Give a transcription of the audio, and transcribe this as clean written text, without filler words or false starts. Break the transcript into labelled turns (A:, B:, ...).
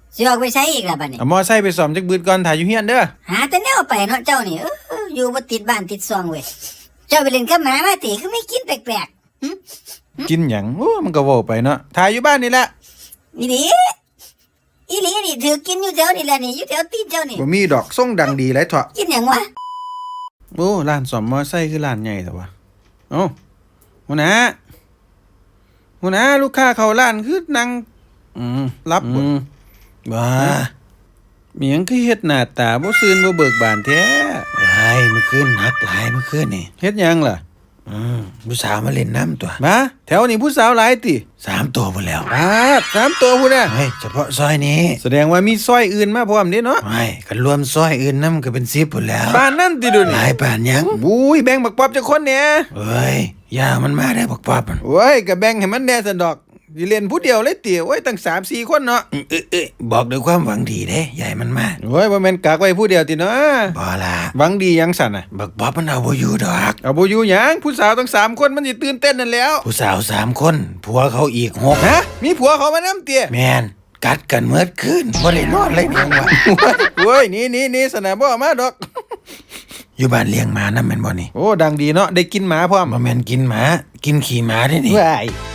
A: สิออกไปใช้อีกล่ะบัดนี้
B: เอามอไซค์ไปซ่อมจักบืดก่อนถ่ายอยู่เฮียนเด้อ
A: หาแต่แนวไปเนาะเจ้านี่อยู่บ่ติดบ้านติดซองเว้ยเจ้าไปเล่นกับหมามาติคือไม่กินแปลกๆ
B: กินหยังโอ้มันก็เว้าไปเนาะถ่ายอยู่บ้านนี่แหละ
A: อีหลีนี่ถือกินอยู่แถวนี่แหละนี่อยู่แถวตีนเจ้านี่
B: บ่มีดอกส่งดังดีหลายเถาะ
A: กินหยังวะ
B: โอ้ร้านซ่อมมอไซค์คือร้านใหญ่แต่ว่าเอ้าหัวหน้าลูกค้าเข้าร้านคือนั่งรับว้ามีหยังคือเฮ็ดหน้าตาบ่ซื่นบ่เบิกบานแท้
C: หลายเมื่อคืนหักหลายเมื่อคืนนี่
B: เฮ็ดหยังล่ะ
C: ผู้สาวมาเล่นน้ำตัว
B: มาแถวนี้ผู้สาวหลายติ
C: 3ตัวหมดแล้ว
B: 3ตัวพุ่นน่ะ
C: เฮ้ยเฉพาะซอยนี้
B: แสดงว่ามีซอยอื่นมาพร้อมเด้เนาะ
C: ไม่กันรวมซอยอื่นนำก็เป็น10พุ่นแล้ว
B: ปานนั้นติดูนี่
C: หลายปานยัง
B: บุ้ยแบ่งบักป๊อบจักคนเนี่ย
C: เอ้ยย่ามันมาได้บักป๊อบมัน
B: โอ้ยก็แบ่งให้มันแน่ซั่นดอกสิเล่นผู้เดียวเลยติโอ้ยตั้ง 3-4 คนเนาะ
C: บอกด้วยความหวังดีเด้ใหญ่มันมา
B: โอ้ยบ่แม่นกักไว้ผู้เดียวติเนาะ
C: บ่ล่ะ
B: หวังดีหยังสั่นน่ะ
C: บักป๊อบมันเอาบ่อยู่ดอก
B: เอาบ่อยู่หยังผู้สาวตั้ง3คนมันสิตื่นเต้นนั่นแล้ว
C: ผู้สาว3คนผัวเขาอีก6
B: ฮะมีผัวเขามานำติ
C: แม่นกัดกันเมื่อคืนบ่ได้นอนเลยจังว่า
B: โอ้ยนี่สนะบ่เอามาดอก
C: อยู่บ้านเลี้ยงหมานำแม่นบ่นี่
B: โอ้ดังดีเนาะได้กินหมาพร้อม
C: บ่แม่นกินหมากินขี้หมาเด้นี่
B: ว้าย